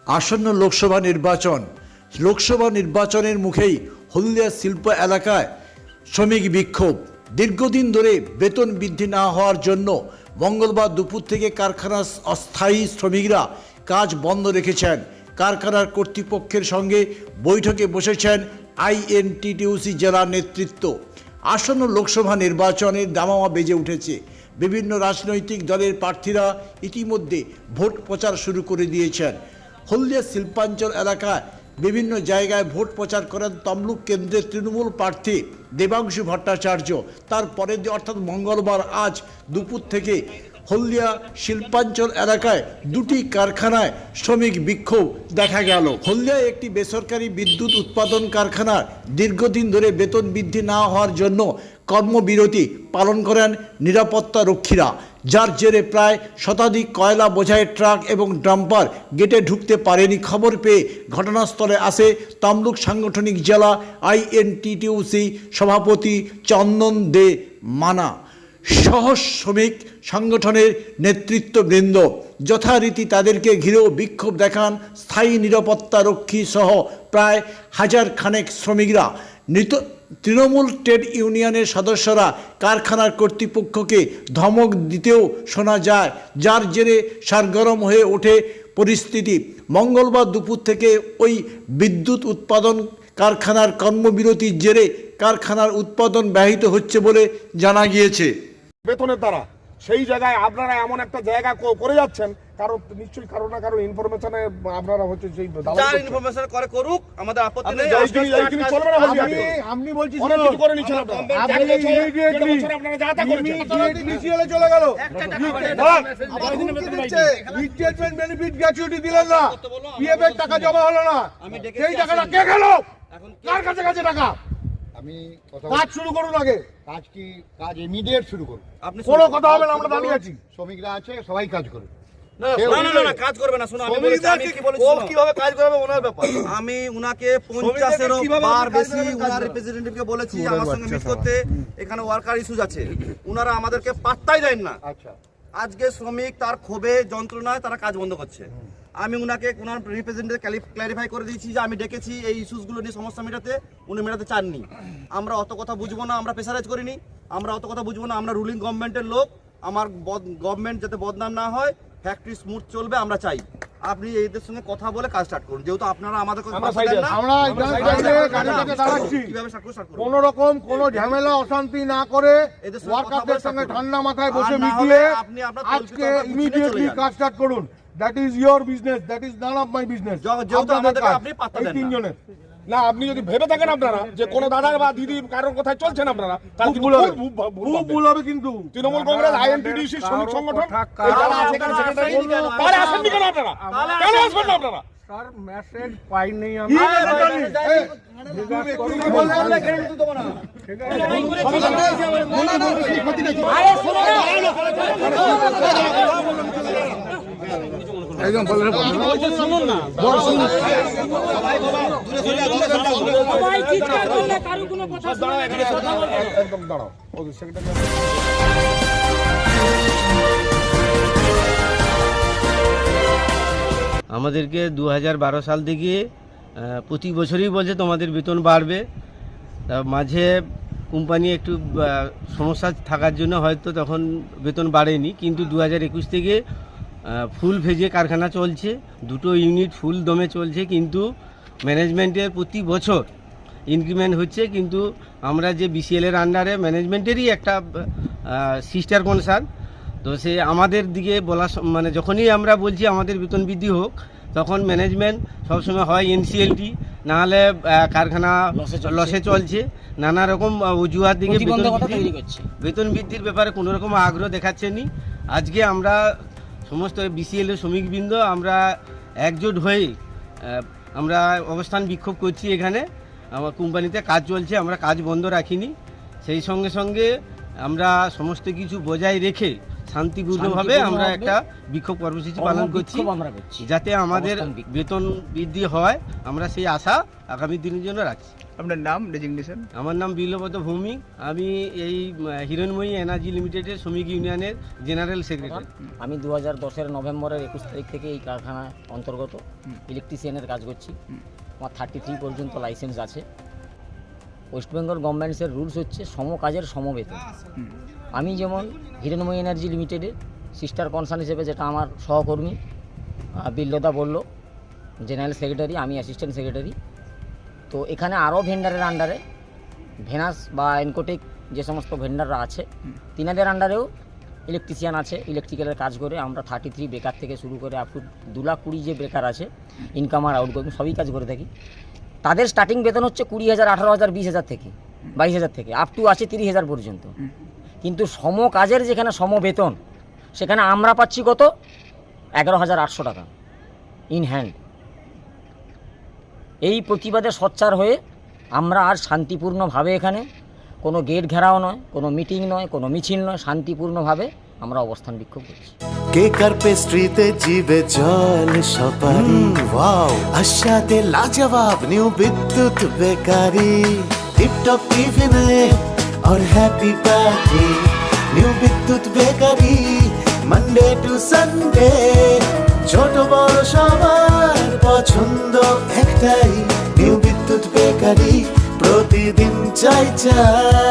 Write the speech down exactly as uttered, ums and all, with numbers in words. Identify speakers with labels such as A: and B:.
A: আসন্ন লোকসভা নির্বাচন লোকসভা নির্বাচনের মুখেই হলদিয়া শিল্প এলাকায় শ্রমিক বিক্ষোভ। দীর্ঘদিন ধরে বেতন বৃদ্ধি না হওয়ার জন্য মঙ্গলবার দুপুর থেকে কারখানার অস্থায়ী শ্রমিকরা কাজ বন্ধ রেখেছেন। কারখানার কর্তৃপক্ষের সঙ্গে বৈঠকে বসেছেন আইএনটিটিইউসি জেলা নেতৃত্ব। আসন্ন লোকসভা নির্বাচনের দামামা বেজে উঠেছে। বিভিন্ন রাজনৈতিক দলের প্রার্থীরা ইতিমধ্যে ভোট প্রচার শুরু করে দিয়েছেন। হলদিয়া শিল্পাঞ্চল এলাকায় বিভিন্ন জায়গায় ভোট প্রচার করেন তমলুক কেন্দ্রের তৃণমূল প্রার্থী দেবাংশু ভট্টাচার্য। তারপরের দিন অর্থাৎ মঙ্গলবার আজ দুপুর থেকে হলদিয়া শিল্পাঞ্চল এলাকায় দুটি কারখানায় শ্রমিক বিক্ষোভ দেখা গেল। হলদিয়ায় একটি বেসরকারি বিদ্যুৎ উৎপাদন কারখানার দীর্ঘদিন ধরে বেতন বৃদ্ধি না হওয়ার জন্য কর্মবিরতি পালন করেন নিরাপত্তা রক্ষীরা, যার জেরে প্রায় শতাধিক কয়লা বোঝাই ট্রাক এবং ডাম্পার গেটে ঢুকতে পারেনি। খবর পেয়ে ঘটনাস্থলে আসে তমলুক সাংগঠনিক জেলা আইএনটিটিইউসি সভাপতি চন্দন দে মানা সহ শ্রমিক সংগঠনের নেতৃত্ববৃন্দ। যথারীতি তাদেরকে ঘিরেও বিক্ষোভ দেখান স্থায়ী নিরাপত্তা রক্ষী সহ প্রায় হাজার খানেক শ্রমিকরা। নৃত তৃণমূল ট্রেড ইউনিয়নের সদস্যরা কারখানার কর্তৃপক্ষকে ধমক দিতেও শোনা যায়, যার জেরে সারগরম হয়ে ওঠে পরিস্থিতি। মঙ্গলবার দুপুর থেকে ওই বিদ্যুৎ উৎপাদন কারখানার কর্মবিরতির জেরে কারখানার উৎপাদন ব্যাহত হচ্ছে বলে জানা গিয়েছে।
B: বেতনের দ্বারা সেই জায়গায় আপনারা এমন একটা জায়গা করে যাচ্ছেন, কারণ নিশ্চয়ই কারো না কারো ইনফরমেশনে আপনারা হচ্ছে সেই
C: যার ইনফরমেশন করে করুক, আমাদের আপত্তি নেই।
B: এইখানে চলবে না বলছি আমি
D: আপনি বলছি
B: অনেক কিছু করে নিছেন আপনারা।
D: আপনি ইমিডিয়েটলি
B: আপনারা যা তা করেছেন
D: ইনিশিয়ালে চলে গেল
B: বল
D: রিটায়ারমেন্ট বেনিফিট গ্র্যাচুইটি দিলেন না, পিএফ এর টাকা জমা হলো না, সেই টাকাটা কে গেল? কার কাছে কাছে টাকা?
E: আমি
D: কাজ শুরু করুন আগে,
E: কাজ কি কাজ ইমিডিয়েট শুরু করুন।
D: আপনি কোনো কথা হবে না, আমরা দাঁড়িয়ে আছি।
E: শ্রমিকরা আছে, সবাই কাজ করে।
C: না না না কাজ করবে না। শুনুন, আমি বলেছি আমি কি বলেছি, ও কিভাবে কাজ করবে ওনার ব্যাপার। আমি উনাকে পঞ্চাশ এর বার বেশি উনার রিপ্রেজেন্টেটিভকে বলেছি আমার সঙ্গে মিট করতে। এখানে ওয়ার্কার ইস্যুজ আছে, উনারা আমাদেরকে পাত্তাই দেন না।
E: আচ্ছা,
C: আজকে শ্রমিক তার ক্ষোভে যন্ত্রণায় তারা কাজ বন্ধ করছে। আমি উনাকে উনার রিপ্রেজেন্টেটিভ ক্ল্যারিফাই করে দিয়েছি যে আমি ডেকেছি এই ইস্যুসগুলো নিয়ে সমস্যা মেটাতে, উনি মেটাতে চাননি। আমরা অত কথা বুঝবো না, আমরা প্রেসারাইজ করিনি, আমরা অত কথা বুঝবো না। আমরা রুলিং গভর্নমেন্টের লোক, আমার গভর্নমেন্ট যাতে বদনাম না হয়, ফ্যাক্টরি স্মুথ চলবে আমরা চাই। আপনি এদের সঙ্গে কথা বলে কাজ স্টার্ট করুন, যেহেতু আপনারা আমাদের
D: কোন রকম কোন ঝামেলা অশান্তি না করে ওয়ার্কারদের সঙ্গে ঠান্ডা মাথায় বসে মিটিয়ে আজকে ইমিডিয়েটলি কাজ স্টার্ট করুন। That is your business, that is none of my business.
C: এই তিনজনের
B: না, আপনি যদি ভেবে থাকেন আপনারা যে কোন দাদা বা দিদি কারোর কথায় চলছেন আপনারা, তাহলে
D: খুব ভুল হবে। কিন্তু
B: তৃণমূল কংগ্রেস আইএনটিটিইউসি শ্রমিক সংগঠন আসেননি কেন আপনারা? কেন আসবেন না আপনারা?
D: স্যার মেসেজ পাইনি আমি। একদম শুনুন না,
B: একদম দাঁড়াও।
F: আমাদেরকে দু হাজার বারো সাল থেকে প্রতি বছরই বলছে তোমাদের বেতন বাড়বে। মাঝে কোম্পানি একটু সমস্যা থাকার জন্য হয়তো তখন বেতন বাড়েনি, কিন্তু দু হাজার একুশ থেকে ফুল ফেজে কারখানা চলছে, দুটো ইউনিট ফুল দমে চলছে, কিন্তু ম্যানেজমেন্টের প্রতি বছর ইনক্রিমেন্ট হচ্ছে। কিন্তু আমরা যে বিসিএলের আন্ডারে ম্যানেজমেন্টেরই একটা সিস্টার কনসার্ন, তো সে আমাদের দিকে বলা মানে যখনই আমরা বলছি আমাদের বেতন বৃদ্ধি হোক, তখন ম্যানেজমেন্ট সবসময় হয় এনসিএলটি, নাহলে কারখানা লসে চলছে, নানা রকম অজুহাত দিকে বেতন বৃদ্ধির ব্যাপারে কোনো রকম আগ্রহ দেখাচ্ছেনি। আজকে আমরা সমস্ত বিসিএল শ্রমিকবৃন্দ আমরা একজোট হয়ে আমরা অবস্থান বিক্ষোভ করছি। এখানে আমার কোম্পানিতে কাজ চলছে, আমরা কাজ বন্ধ রাখিনি। সেই সঙ্গে সঙ্গে আমরা সমস্ত কিছু বজায় রেখে শান্তিপূর্ণভাবে আমরা একটা বিক্ষোভ কর্মসূচি পালন করছি,
G: আমরা করছি
F: যাতে আমাদের
G: অবস্থান বিক্ষোভ।
F: বেতন বৃদ্ধি হয় আমরা সেই আশা আগামী দিনের জন্য রাখছি।
H: আপনার নাম ডেজিগনেশন?
F: আমার নাম বিল্লবত ভৌমিক, আমি এই আহ, হিরণময়ী এনার্জি লিমিটেডের শ্রমিক ইউনিয়নের জেনারেল সেক্রেটারি।
G: আমি দু হাজার দশের নভেম্বরের একুশ তারিখ থেকে এই কারখানার অন্তর্গত ইলেকট্রিশিয়ানের কাজ করছি। আমার থার্টি থ্রি পর্যন্ত লাইসেন্স আছে। ওয়েস্ট বেঙ্গল গভর্নমেন্টসের রুলস হচ্ছে সম কাজের সমবেতন। আমি যেমন হিরণময়ী এনার্জি লিমিটেডের সিস্টার কনসার্ন হিসেবে, যেটা আমার সহকর্মী আহ, বিল্লদা বলল, জেনারেল সেক্রেটারি, আমি অ্যাসিস্ট্যান্ট সেক্রেটারি। তো এখানে আরও ভেন্ডারের আন্ডারে, ভেনাস বা এনকোটেক যে সমস্ত ভেন্ডাররা আছে তিনাদের আন্ডারেও ইলেকট্রিশিয়ান আছে, ইলেকট্রিক্যালের কাজ করে। আমরা থার্টি থ্রি বেকার থেকে শুরু করে আপ টু দু লাখ কুড়ি যে বেকার আছে, ইনকাম আর আউটগোয়িং সবই কাজ করে থাকি। তাদের স্টার্টিং বেতন হচ্ছে কুড়ি হাজার, আঠারো হাজার, বিশ হাজার থেকে বাইশ হাজার থেকে আপ টু আছে তিরিশ হাজার পর্যন্ত। কিন্তু সম কাজের যেখানে সম বেতন, সেখানে আমরা পাচ্ছি কত? এগারো হাজার আটশো টাকা ইন হ্যান্ড। এই প্রতিবাদে সোচ্চার হয়ে আমরা আর শান্তিপূর্ণভাবে, এখানে কোনো গেট ঘেরাও নয়, কোনো মিটিং নয়, কোনো মিছিল নয়, শান্তিপূর্ণভাবে আমরা অবস্থান বিক্ষোভ করছি।
I: কেক আর পেস্ট্রিতে জিবে জল সপারি, ওয়াও আশাতে লাজবাব নিউ বিদ্যুৎ বেকারি, টিপটপ টিফিনে और happy party new Bidyut bakery, Monday to Sunday ছোট বড় সবার পছন্দ একটাই, নিউ বিদ্যুৎ বেকারি প্রতিদিন চাই চাই